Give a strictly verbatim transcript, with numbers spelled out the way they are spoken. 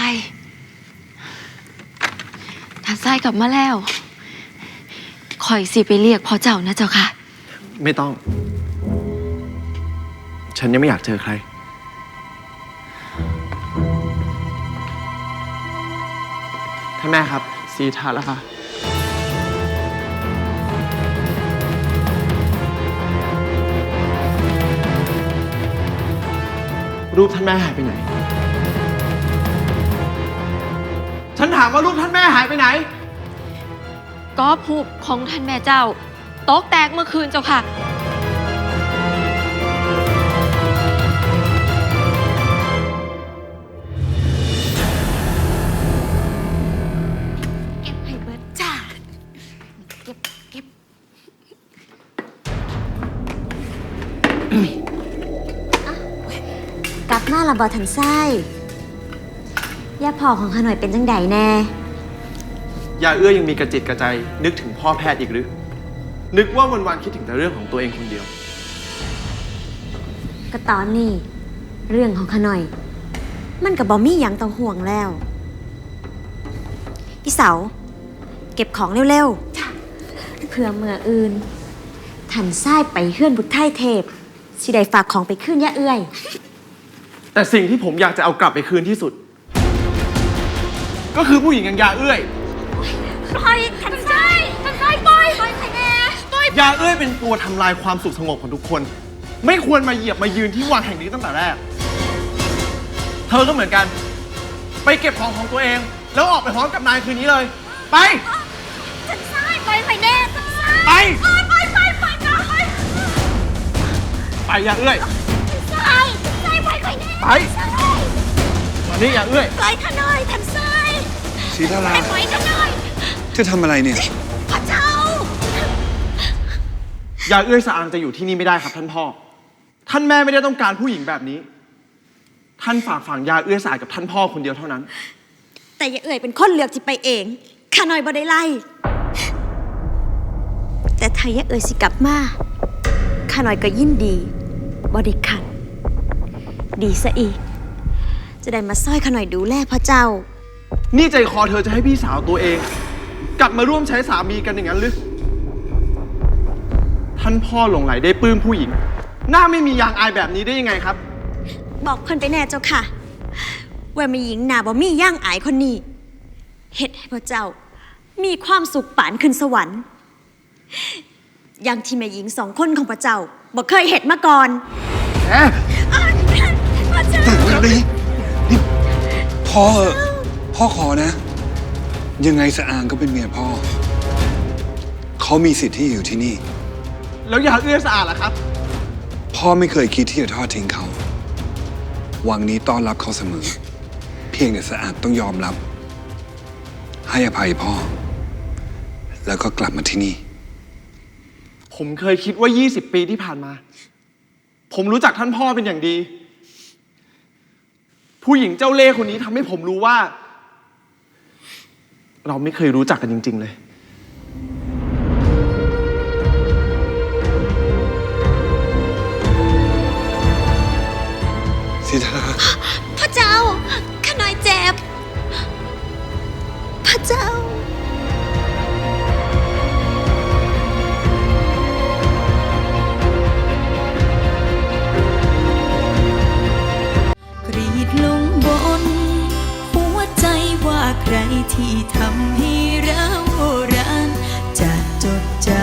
ยท่านทรายกลับมาแล้วคอยสิไปเรียกพ่อเจ้านะเจ้าค่ะไม่ต้องฉันยังไม่อยากเจอใครท่านแม่ครับสีทานแล้วค่ะรูปท่านแม่หายไปไหนฉันถามว่ารูปท่านแม่หายไปไหนก็ผูกของท่านแม่เจ้าโต๊ะแตกเมื่อคืนเจ้าค่ะเก็บให้เบิดจ้าเก็บเก็บกลับมาละบ่ทันไส้ย่าพ่อของข้าหน่อยเป็นจังใดแน่ยาเอื้อยังมีกระจิตกระใจนึกถึงพ่อแพทย์อีกหรือนึกว่าวันๆคิดถึงแต่เรื่องของตัวเองคนเดียวก็ตอนนี้เรื่องของข้าหน่อยมันกับบ่มีหยังต้องห่วงแล้วพี่เสาเก็บของเร็วๆเพื่อเมื่ออื่นทันไส้ไปเฮือนบุตรไทยเทพสิได้ฝากของไปขึ้นย่าเอื้อยแต่สิ่งที่ผมอยากจะเอากลับไปคืนที่สุดก็คือผู้หญิงอย่างยาเอื้อยปล่อยทันไส้ทันไส้ปล่อยปล่อยไข่แน่ยาเอื้อยเป็นตัวทำลายความสุขสงบของทุกคนไม่ควรมาเหยียบมายืนที่วังแห่งนี้ตั้งแต่แรกเธอก็เหมือนกันไปเก็บของของตัวเองแล้วออกไปพร้อมกับนายคืนนี้เลยไปทันไส้ปล่อยไข่แน่ทันไส้ไปไปไปไปไปไปยาเอื้อยทันไส้ทันไส้ปล่อยไข่แน่ไปมานี่ยาเอื้อยปล่อยข้าหน่อยทันไส้ศรีดาราปล่อยข้าหน่อยจะทำอะไรเนี่ยพระเจ้ายาเอื้อยสะอางจะอยู่ที่นี่ไม่ได้ครับท่านพ่อท่านแม่ไม่ได้ต้องการผู้หญิงแบบนี้ท่านฝากฝังยาเอื้อยสะอาดกับท่านพ่อคนเดียวเท่านั้นแต่ยาเอื้อยเป็นคนเลือกที่ไปเองข้าหน่อยบ่ได้ไล่แต่ถ้ายาเอื้อยสิกลับมาข้าหน่อยก็ยินดีบ่ได้ขัดดีซะอีกจะได้มาซ้อยข้าหน่อยดูแลพระเจ้านี่ใจคอเธอจะให้พี่สาวตัวเองกลับมาร่วมใช้สามีกันอย่างนั้นหรือท่านพ่อหลงไหลได้ปลื้มผู้หญิงหน้าไม่มียางอายแบบนี้ได้ยังไงครับบอกเพิ่นไปแน่เจ้าค่ะว่ามีหญิงหน้าบ่มีย่างอายคนนี้เฮ็ดให้พระเจ้ามีความสุขปานขึ้นสวรรค์อย่างที่แม่หญิงสองคนของพระเจ้าบ่เคยเฮ็ดมาก่อนแหมพระเจ้านี่นี่พ่อพ่อขอนะยังไงสะอางก็เป็นเมียพ่อเขามีสิทธิ์ที่อยู่ที่นี่แล้วยาเอื้อยสะอาดล่ะครับพ่อไม่เคยคิดที่จะทอดทิ้งเขาวังนี้ต้อนรับเขาเสมอเพียงแต่สะอาดต้องยอมรับให้อภัยพ่อแล้วก็กลับมาที่นี่ผมเคยคิดว่ายี่สิบปีที่ผ่านมาผมรู้จักท่านพ่อเป็นอย่างดีผู้หญิงเจ้าเล่ห์คนนี้ทำให้ผมรู้ว่าเราไม่เคยรู้จักกันจริงๆเลยศรีดาราพระเจ้าข้าน้อยเจ็บพระเจ้ากรีดลงบนหัวใจว่าใครที่ทำให้เรารันจะจดจำ